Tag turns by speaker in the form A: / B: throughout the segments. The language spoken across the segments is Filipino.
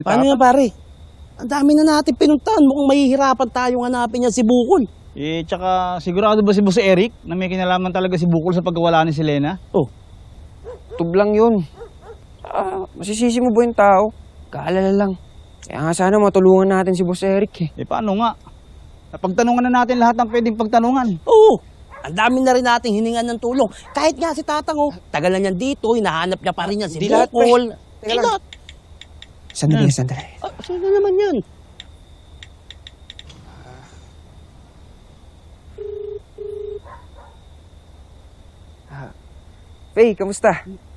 A: Paano yan, pare? Ang dami na natin pinuntahan. Mukhang mahihirapan tayong hanapin niya si Bukol.
B: Eh, tsaka sigurado ba si Boss Eric na may kinalaman talaga si Bukol sa pagkawala ni Selena?
A: Oh,
C: Tublang yun. Masisisi mo ba yung tao? Kaalala lang. Kaya nga sana matulungan natin si Boss Eric eh.
B: Eh, paano nga? Napagtanungan na natin lahat ng pwedeng pagtanungan.
A: oo. Ang dami na rin nating hiningan ng tulong. Kahit nga si Tatang, oh, tagal na niyan dito, hinahanap niya pa rin yan si
C: Di lahat, pre.
A: Bukol.
C: Teka
A: Di
C: lang.
A: lahat.
C: Sandali.
A: Sino naman yan?
C: Faye, kamusta?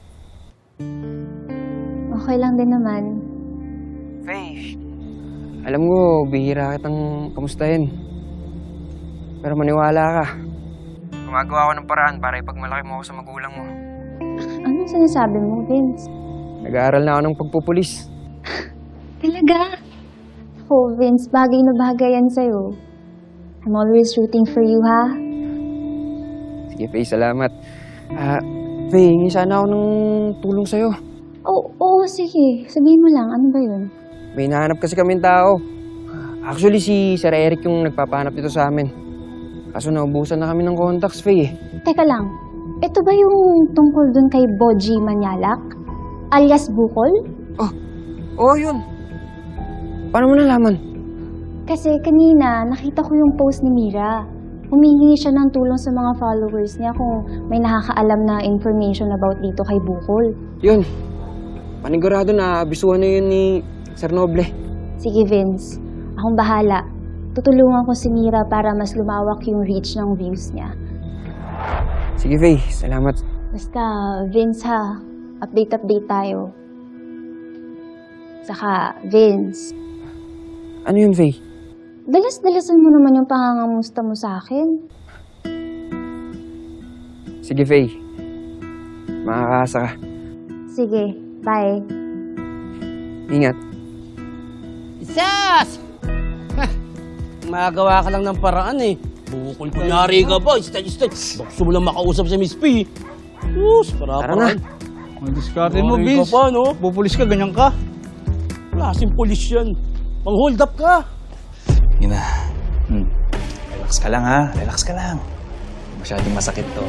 D: Okay lang din naman.
C: Faye, alam mo, bihira kitang kamustahin. Pero maniwala ka. Gumagawa ako ng paraan para ipagmalaki mo ako sa magulang mo.
D: Anong sinasabi mo, Vince?
C: Nag-aaral na ako ng pagpupulis.
D: Talaga? Oh, Vince, bagay na bagay yan sa'yo. I'm always rooting for you, ha?
C: Sige, Faye, salamat. Faye, hingi sana ako ng tulong sa'yo.
D: Oo, sige. Sabihin mo lang, ano ba yun?
C: May hinahanap kasi kaming tao. Actually, si Sir Eric yung nagpapahanap dito sa amin. Kaso naubusan na kami ng contacts, Faye.
D: Teka lang, ito ba yung tungkol dun kay Boji Manyalak? Alias Bukol?
C: Oo, yun. Paano mo nalaman?
D: Kasi kanina, nakita ko yung post ni Mira. Humihingi siya ng tulong sa mga followers niya kung may nakakaalam na information about dito kay Bukol.
C: Yun. Panigurado na abisuhan na yun ni Sir Noble.
D: Sige, Vince. Akong bahala. Tutulungan ko si Mira para mas lumawak yung reach ng views niya.
C: Sige, Faye. Salamat.
D: Basta, Vince ha. Update tayo. Saka, Vince,
C: Ano yun, Faye?
D: dalas-dalasan mo naman yung pangangamusta mo sa akin.
C: Sige, Faye. Makakaasa ka.
D: Sige, bye.
C: Ingat.
A: Sas! Magawa ka lang ng paraan eh. Bukol, kunyari ka ba? Stay. Gusto mo lang makausap si Miss P. Sus,
C: Tara na.
B: Ang diskarte mo,
A: Kunyari
B: Vince.
A: ka pa, no?
B: Pupulis ka, ganyan ka.
A: Klaseng polis yan. Pang-hold up ka.
E: Ina, relax ka lang ha. Relax ka lang. Masyadong masakit to.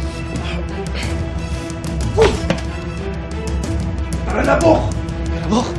F: Tara na po!